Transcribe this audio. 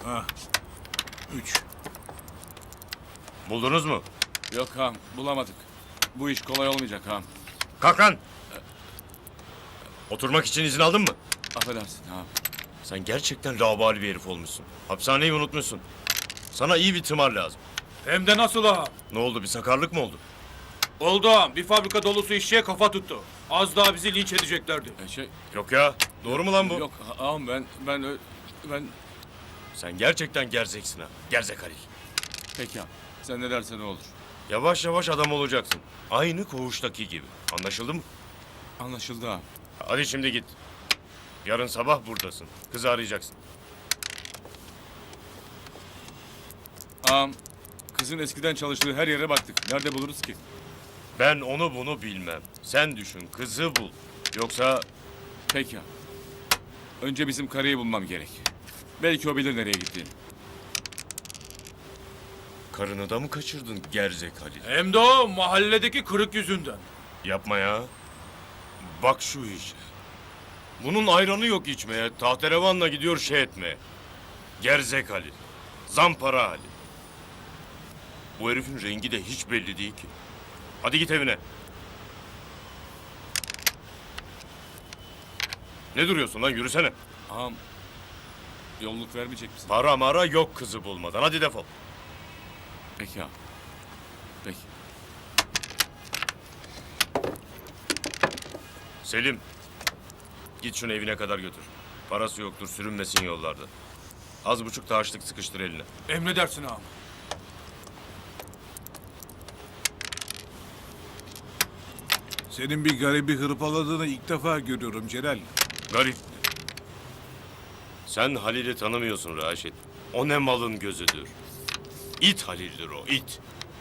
Ha. 3. Buldunuz mu? Yok ağam, bulamadık. Bu iş kolay olmayacak ağam. Kalk lan! Oturmak için izin aldın mı? Affedersin ağam. Sen gerçekten laubali bir herif olmuşsun. Hapishaneyi unutmuşsun. Sana iyi bir tımar lazım. Hem de nasıl ağam? Ne oldu, bir sakarlık mı oldu? Oldu ağam. Bir fabrika dolusu işçiye kafa tuttu. Az daha bizi linç edeceklerdi. Yok ya, doğru mu lan bu? Yok ağam ben... Sen gerçekten gerzeksin ha. Gerzek Halil. Peki ağam. Sen ne dersen o olur. Yavaş yavaş adam olacaksın. Aynı koğuştaki gibi. Anlaşıldı mı? Anlaşıldı ağam. Hadi şimdi git. Yarın sabah buradasın. Kızı arayacaksın. Ağam, kızın eskiden çalıştığı her yere baktık. Nerede buluruz ki? Ben onu bunu bilmem. Sen düşün, kızı bul. Yoksa Peki ağam. Önce bizim karıyı bulmam gerek. Belki o bilir nereye gittiğini. karını da mı kaçırdın gerzek Halil? Hem de o mahalledeki kırık yüzünden. Yapma ya. Bak şu işe. Bunun ayranı yok içmeye. Tahterevanla gidiyor şey etmeye. Gerzek Halil. Zampara Halil. Bu herifin rengi de hiç belli değil ki. Hadi git evine. Ne duruyorsun lan, yürüsene. Ağam, yolluk vermeyecek misin? Para mara yok kızı bulmadan. Hadi defol. Peki ağam. Peki. Selim. Git şunu evine kadar götür. Parası yoktur, sürünmesin yollarda. Az buçuk da harçlık sıkıştır eline. Emredersin ağam. Senin bir garibi hırpaladığını ilk defa görüyorum Celal. Garip. Sen Halil'i tanımıyorsun Raşit. O ne malın gözüdür. İt Halil'dir o, it.